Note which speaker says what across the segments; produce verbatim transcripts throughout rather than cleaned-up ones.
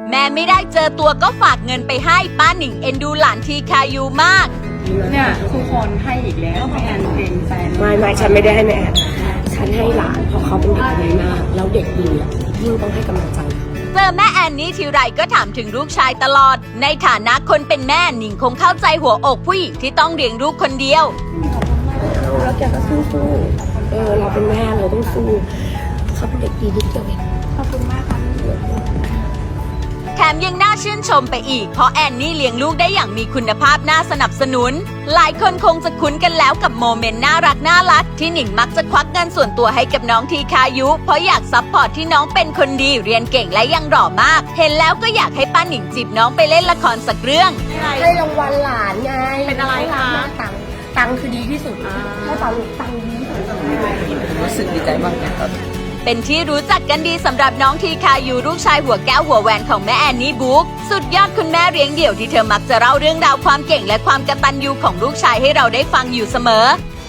Speaker 1: แม่ไม่ได้เจอตัวก็ฝากเงินไปให้ป้าหนิงเอ็นดูหลานทีคายูมาก
Speaker 2: เนี่ยทุกคนให้อีกแล้วแม่แอนเองแฟน
Speaker 3: ไม่ไม่ฉันไม่ได้ให้แม่แอนฉันให้หลานเพราะเขาเป็นเด็กดีมากแล้วเด็กดีอ่ะยิ่งต้องให้กำลังใจ
Speaker 1: เจอแม่แอนนี่ทีไรก็ถามถึงลูกชายตลอดในฐานะคนเป็นแม่หนิงคงเข้าใจหัวอกผู้หญิงที่ต้องเลี้ยงลูกคนเดียว
Speaker 3: แล้วแกก็สู้สู้เออเราเป็นแม่เราต้องสู้เขาเป็นเด็กดีนิดเดียวเอง
Speaker 2: ขอบคุณมากค่ะ
Speaker 1: แถมยังน่าชื่นชมไปอีกเพราะแอนนี่เลี้ยงลูกได้อย่างมีคุณภาพน่าสนับสนุนหลายคนคงจะคุ้นกันแล้วกับโมเมนต์น่ารักน่ารักที่หนิงมักจะควักเงินส่วนตัวให้กับน้องทีคายุเพราะอยากซัพพอร์ตที่น้องเป็นคนดีเรียนเก่งและยังหล่อมากเห็นแล้วก็อยากให้ป้าหนิงจีบน้องไปเล่นละครสักเรื่อง
Speaker 3: ให้รางวัลหลานไง
Speaker 2: เป็นอะไรคะ
Speaker 3: ตังตังคือดีที่สุดถ้าตังตังดีที่สุด
Speaker 4: รู้สึกดีใจมากนะครับ
Speaker 1: เป็นที่รู้จักกันดีสำหรับน้องทีคายูลูกชายหัวแก้วหัวแหวนของแม่แอนนี่บุ๊กสุดยอดคุณแม่เลี้ยงเดี่ยวที่เธอมักจะเล่าเรื่องราวความเก่งและความกตัญญูของลูกชายให้เราได้ฟังอยู่เสมอ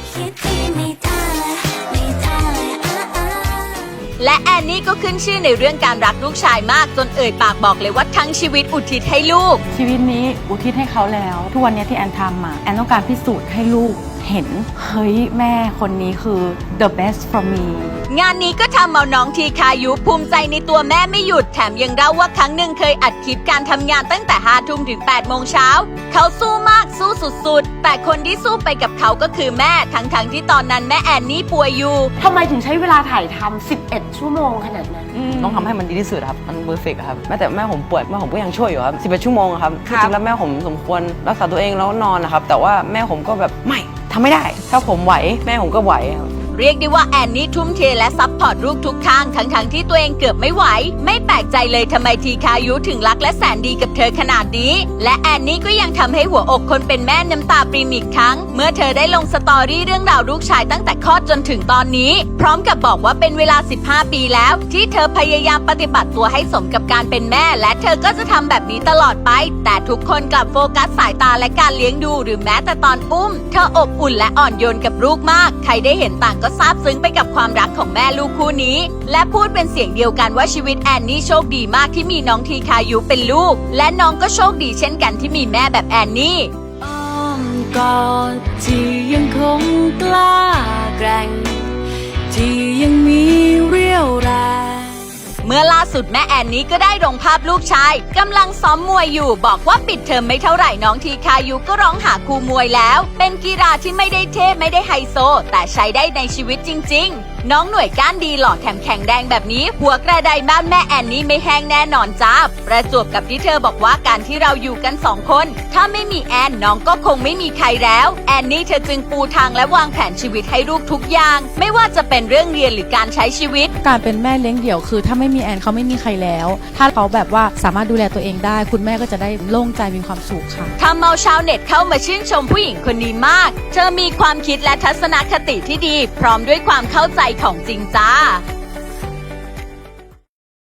Speaker 1: และแอนนี่ก็ขึ้นชื่อในเรื่องการรักลูกชายมากจนเอ่ยปากบอกเลยว่าทั้งชีวิตอุทิศให้ลูก
Speaker 2: ชีวิตนี้อุทิศให้เขาแล้วทุกวันนี้ที่แอนทำมาแอนต้องการพิสูจน์ให้ลูกเห็นเฮ้ยแม่คนนี้คือ the best for me
Speaker 1: งานนี้ก็ทำเอาน้องทีคายุภูมิใจในตัวแม่ไม่หยุดแถมยังเล่าว่าครั้งหนึ่งเคยอัดคลิปการทำงานตั้งแต่ห้าทุ่มถึงแปดโมงเช้าเขาสู้มากสู้สุดๆแต่คนที่สู้ไปกับเขาก็คือแม่ทั้งๆ ท, ที่ตอนนั้นแม่แอนนี่ป่วยอยู่
Speaker 3: ทำไมถึงใช้เวลาถ่ายทำสิบเอ็ดชั่วโมงขนาดนั้น
Speaker 4: ต้องทำให้มันดีที่สุดครับมันเพอร์เฟกต์ครับแม้แต่แม่ผมป่วยแม่ผมก็ยังช่วยอยู่ครับสิบเอ็ดชั่วโมงครับจริงๆแล้วแม่ผมสมควรรักษาตัวเองแล้วนอนนะครับแต่ว่าแม่ผมก็แบบไม่ทำไม่ได้ถ้าผมไหวแม่ผมก็ไหว
Speaker 1: เรียกได้ว่าแอนนี่ทุ่มเทและซัพพอร์ตลูกทุกข้างทั้งๆ ท, ที่ตัวเองเกือบไม่ไหวไม่แปลกใจเลยทำไมทีคายุถึงรักและแสนดีกับเธอขนาดนี้และแอนนี่ก็ยังทำให้หัวอกคนเป็นแม่น้ำตาปริมอีกครั้งเมื่อเธอได้ลงสตอรี่เรื่องราวลูกชายตั้งแต่คลอดจนถึงตอนนี้พร้อมกับบอกว่าเป็นเวลาสิบห้าปีแล้วที่เธอพยายามปฏิบัติตัวให้สมกับการเป็นแม่และเธอก็จะทำแบบนี้ตลอดไปแต่ทุกคนกลับโฟกัสสายตาและการเลี้ยงดูหรือแม้แต่ตอนอุ้มเธออบอุ่นและอ่อนโยนกับลูกมากใครได้เห็นต่างก็ซาบซึ้งไปกับความรักของแม่ลูกคู่นี้และพูดเป็นเสียงเดียวกันว่าชีวิตแอนนี่โชคดีมากที่มีน้องทีคายุเป็นลูกและน้องก็โชคดีเช่นกันที่มีแม่แบบแอนนี่อ้อมกอดที่ยังคงกล้าแกร่งที่ยังมีเรี่ยวแรงเมื่อล่าสุดแม่แอนนี่ก็ได้ลงภาพลูกชายกำลังซ้อมมวยอยู่บอกว่าปิดเทอมไม่เท่าไหร่น้องทีคายุก็ร้องหาครูมวยแล้วเป็นกีฬาที่ไม่ได้เท่ไม่ได้ไฮโซแต่ใช้ได้ในชีวิตจริงๆน้องหน่วยก้านดีหล่อแถมแข็งแรงแบบนี้หัวกระไดบ้านแม่แอนนี่ไม่แห้งแน่นอนจ้าประจวบกับที่เธอบอกว่าการที่เราอยู่กันสองคนถ้าไม่มีแอนน้องก็คงไม่มีใครแล้วแอนนี่เธอจึงปูทางและวางแผนชีวิตให้ลูกทุกอย่างไม่ว่าจะเป็นเรื่องเรียนหรือการใช้ชีวิต
Speaker 2: การเป็นแม่เลี้ยงเดี่ยวคือถ้าไม่มีแอนเขาไม่มีใครแล้วถ้าเขาแบบว่าสามารถดูแลตัวเองได้คุณแม่ก็จะได้โล่งใจมีความสุขค่ะ
Speaker 1: ทำเอาชาวเน็ตเข้ามาชื่นชมผู้หญิงคนนี้มากเธอมีความคิดและทัศนคติที่ดีพร้อมด้วยความเข้าใจของจริงจ้า